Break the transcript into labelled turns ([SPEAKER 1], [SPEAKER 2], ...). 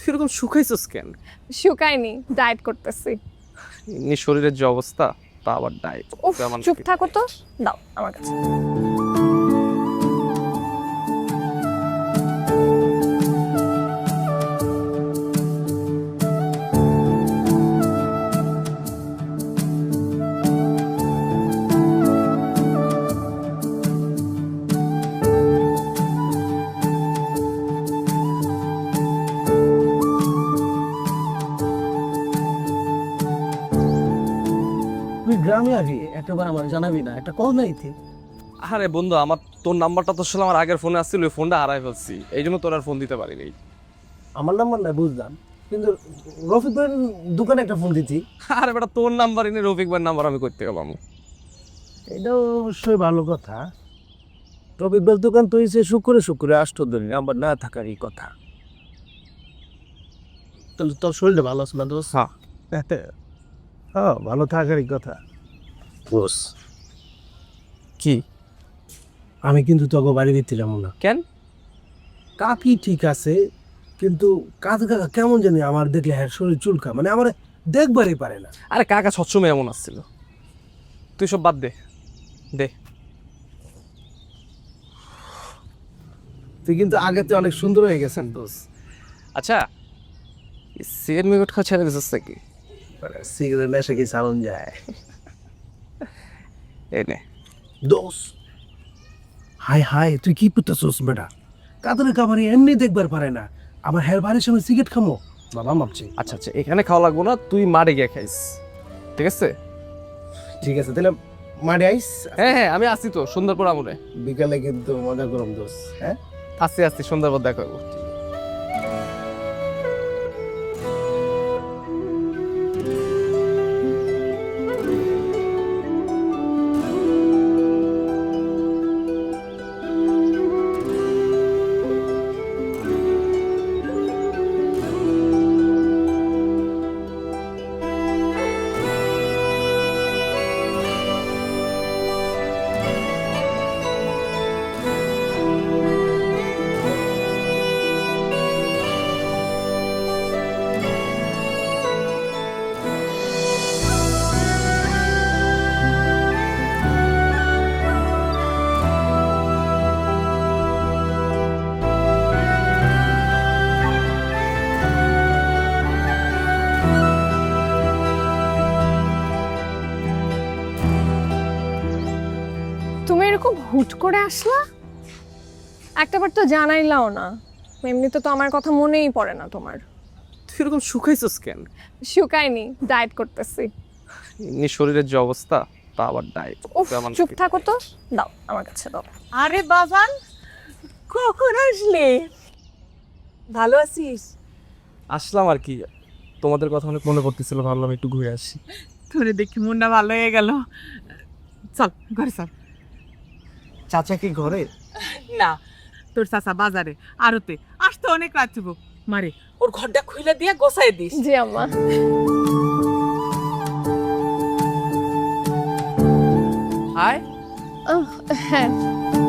[SPEAKER 1] তুই এরকম শুকাইছস কেন?
[SPEAKER 2] শুকায়নি, ডায়েট করতেছি।
[SPEAKER 1] এমনি শরীরের যে অবস্থা, তা আবার ডায়েট।
[SPEAKER 2] উফ, চুপ থাকো তো, দাও আমার কাছে।
[SPEAKER 3] তুই গ্রামে আসবি একটাবার আমার জানাবি না, একটা কল নাই তুই।
[SPEAKER 1] আরে বন্ধু, আমার তোর নাম্বারটা তো আসলে আমার আগের ফোনে আসছিল, ওই ফোনটা হারাই ফেলছি, এই জন্য তোর আর ফোন দিতে পারিনি।
[SPEAKER 3] আমার নাম্বার নাই বুঝলাম, কিন্তু রফিক ভাইয়ের দোকানে একটা ফোন দিতি।
[SPEAKER 1] আরে বেটা, তোর নাম্বার এনে রফিক ভাইয়ের নাম্বার আমি করতে গেলাম।
[SPEAKER 3] এটাও অবশ্যই ভালো কথা। রফিক ভাইয়ের দোকান তো হয়েছে শুক্রে শুক্রে, আষ্টদিন নাম্বার না থাকারই কথা। তাহলে তোর শরীরটা ভালো আছে না দোষ?
[SPEAKER 1] হ্যাঁ।
[SPEAKER 3] হ্যাঁ, ভালো থাকারই কথা। বস,
[SPEAKER 1] কি?
[SPEAKER 3] আমি কিন্তু তোকে বাড়ি দিচ্ছিলাম না।
[SPEAKER 1] কেন?
[SPEAKER 3] কাকি ঠিক আছে, কিন্তু কাজ কাকা কেমন জানি আমার দেখলে হ্যাঁ শরীর চুলকা, মানে আমার দেখবারই পারে না।
[SPEAKER 1] আরে কাকা সবসময় এমন আসছিল, তুই সব বাদ দে। দে।
[SPEAKER 3] তুই কিন্তু আগে তো অনেক সুন্দর হয়ে গেছেন দোষ।
[SPEAKER 1] আচ্ছা, সিগারেট মিগারেট খাওয়া ছেড়ে দিছিস নাকি?
[SPEAKER 3] সিগারেট নেশা কি চালন যায়?
[SPEAKER 1] এই নে।
[SPEAKER 3] দোষ, হাই হাই, তুই কি করতেছোস বেটা? কাতরে কামারি এমনি দেখবার পারে না, আবার হের বাড়ির সময় সিগারেট খামো? বাবা মাপছি।
[SPEAKER 1] আচ্ছা আচ্ছা, এখানে খাওয়া লাগবো না, তুই মাঠে গিয়ে খাইস, ঠিক আছে?
[SPEAKER 3] ঠিক আছে, তাহলে মাঠে আইস।
[SPEAKER 1] হ্যাঁ হ্যাঁ, আমি আসি তো সুন্দরপুর আমলে।
[SPEAKER 3] বিকালে কিন্তু মজা করম দোষ। হ্যাঁ,
[SPEAKER 1] আসছি আসছি, সুন্দরপুর দেখা করবো।
[SPEAKER 2] তুমি এরকম হুট করে আসলা? একটাবার তো জানাইলাও না। এমনিতে তো আমার কথা মনেই পড়ে না তোমার।
[SPEAKER 1] তুই এরকম শুকাইছস কেন?
[SPEAKER 2] শুকায়নি, ডায়েট করতেছি।
[SPEAKER 1] এমনি শরীরের যে অবস্থা, তা আবার ডায়েট।
[SPEAKER 2] উফ, চুপ থাকো তো, দাও আমার কাছে দাও।
[SPEAKER 4] আরে বাবান, কখন আসলে? ভালো আছিস?
[SPEAKER 1] আসলাম আর কি, তোমাদের কথা অনেক মনে পড়তেছিল, ভাবলাম একটু ঘুরে আসি।
[SPEAKER 4] তোরে দেখি মনটা ভালো হয়ে গেল। চল ঘরে চল।
[SPEAKER 3] চাচা কি ঘরে?
[SPEAKER 4] না, তোর চাচা বাজারে আরতে আসতে অনেক রাত হইব। মারে ওর ঘরটা খুলে দিয়ে গোছাই দিস।
[SPEAKER 2] জি আম্মা।
[SPEAKER 1] হাই।
[SPEAKER 2] হ্যাঁ,